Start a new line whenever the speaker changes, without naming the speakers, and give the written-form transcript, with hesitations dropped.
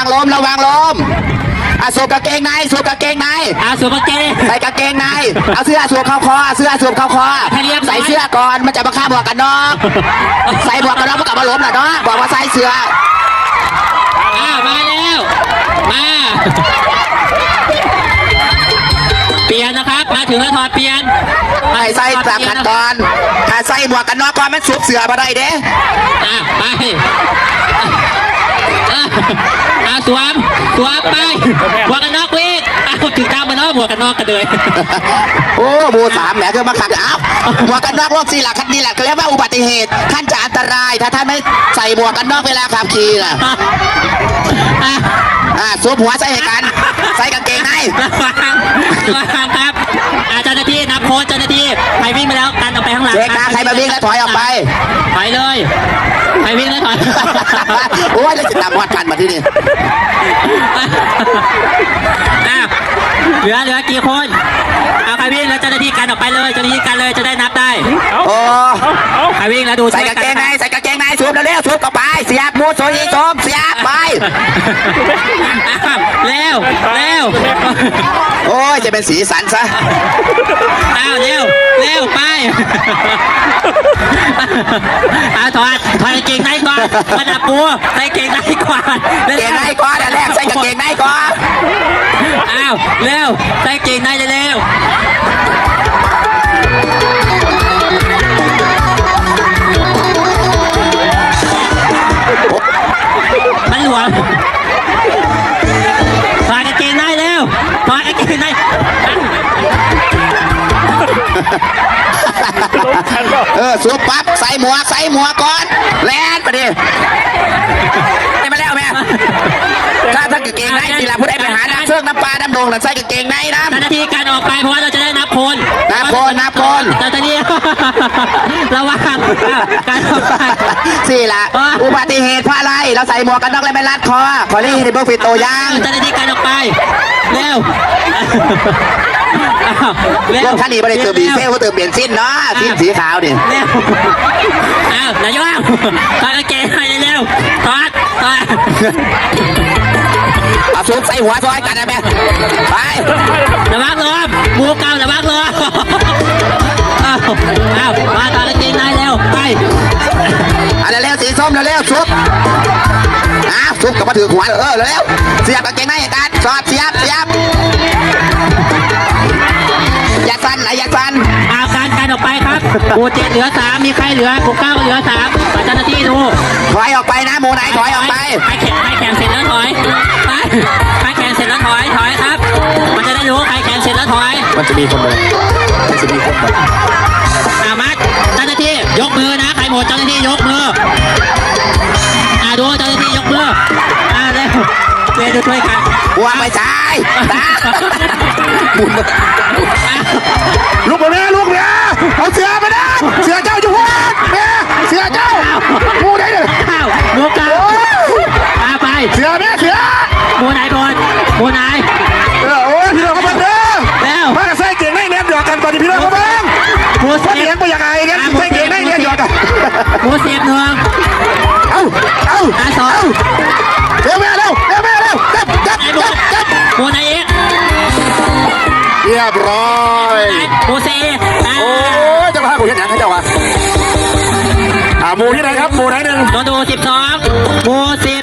ลมสวมกางเกงในสวมกางเกงใน
สวมกางเกง
ใส่กางเกงในเอาเสื้อสวมเข้าคอใส่เสื้อก่อนมันจะมาฆ่าหมวกกันน็อกใส่หมวกกันน็อกมันกลับมาล้มหน่อยเนาะบอกว่าใส่เสื้อ
มาแล้วมาเปลี่ยนนะครับมาถึงแล้วถอดเปลี่ยน
ใส่ตามขั้นตอนถ้าใส่หมวกกันน็อกก่อนมันสวมเสื้อมาได้เด้
ไปสวมไปหมวกกันน็อกวิ่งถึงตามมาเนาะหมวกกันน็อกกันเลย
โอ้บูสามแหมคือมาขัดหมวกกันน็อกรถสี่หลักคันนี้แหละเขาเรียกว่าอุบัติเหตุท่านจะอันตรายถ้าท่านไม่ใส่หมวกกันน็อกเวลาขับขี่น่ะสวมหัวใส่กันใส่กางเกงใน
ระวังครับเจ้าหน้าที่นับโค้ดเจ้าหน้าที่ใครวิ่งไปแล้วกันออกไปข้างหลัง
เช็คใครมาวิ่งแล้วถอยออกไป
ถอยเลยใครวิ่งแล้วถอย
โอ้ยแล้วจะตามวัดกันมาที่นี่
เหลือกี่คนเอาใครวิ่งแล้วเจ้าหน้าที่กันออกไปเลยเจ้าหน้าที่กันเลยจะได้นับได้
โอ้
ใครวิ่งแล้วดู
ใส่กางเกงในสวมเร็วสวมเข้าไปเสียบมูดโซยีสวมเสียบไป
เร็ว
โอ้ยจะเป็นสีสันซะ
เร็วไปถอดกางเกงในก่อนมาดับปูใส่กางเกงในก่อน
แรกใส่กางเกงในก่อน
เร็วใส่กางเกงในเร็วมันหลวมถอดกางเกงในเร็วถอดกางเกงใน
สวมปั๊บใส่หมวกก่อนแลนไปดิได้มาแล้วแม่ถ้ากางเกงในทีละผู้ใดไปหาน้ำเชือกน้ำปลาน้ำดงใส่กางเกงในนะ
เจ้าหน้าที่การออกไปเพราะว่าเราจะได้นับคน
เจ้าหน้า
ที่ระวังการออกไป
สี่ละอุบัติเหตุเพราะอะไรเราใส่หมวกกันน็อกแล้วไม่รัดคอขอรีในเบอร์ฟิตโตย่าง
เจ้าหน้าที่การออกไปเร็ว
รถคันนี้ไม่ได้เติมดีเซลเขาเติมเบนซินเนาะสีขาวดิ
เร็วนายกถอดกางเกงให้เร็วถอด
เอาซุปใส่หัวซอยกันนะแม่ไประ
วังล้มหมูเก่าระวังล้มมาถอดกางเกงในเร็วไป
เร็วสีส้มเร็วซุปซุปกับมาถือหัวเร็วเสียบกางเกงในกันสอดเสียบอย่าสั่น
การออกไปครับหมู่7เหลือ3มีใครเหลือหมู่9เหลือ3เจ้าหน้าที่ดู
ถอยออกไปนะหมู่ไหนถอยออกไป
ใครแข่งเสร็จแล้วถอยไปใครแข่งเสร็จแล้วถอยครับมันจะได้รู้ใครแข่งเสร็จแล้วถอย
มันจะมีคนเลย
มัดเจ้าหน้าที่ยกมือนะใครหมดเจ้าหน้าที่ยกมือดูเจ้าหน้าที่ยกมือเร็วดูช่วยกัน
วางไม่ใช่ลูกเนี่ยเอาเสือไปนะเสือเจ้าอยู่หัวเสือเจ้ามูไหนเนี่ย
มูเก่าไป
เสือ
มูไหนบนมูไหน
โอ้ยพี่น้องเขาบังเด้อ
แล้ว
มาใส่เก่งในเน็ตหยอกกันตอนนี้พี่น้องเขาบังมูเสียงไปยังไงเนี่ยใส่เก่งในเน็ตหยอกกัน
มูเสียบหนึ่งสอง
เร็วจับ
มูไหนเอ็ก
เรียบร้อย
มูเซ
โอ้ยจะพากูเห็นอย่างให้เจ้าวะหมู่ที่ไหนครับหมู่ไหนหนึ่ง
โดนดู12หมู่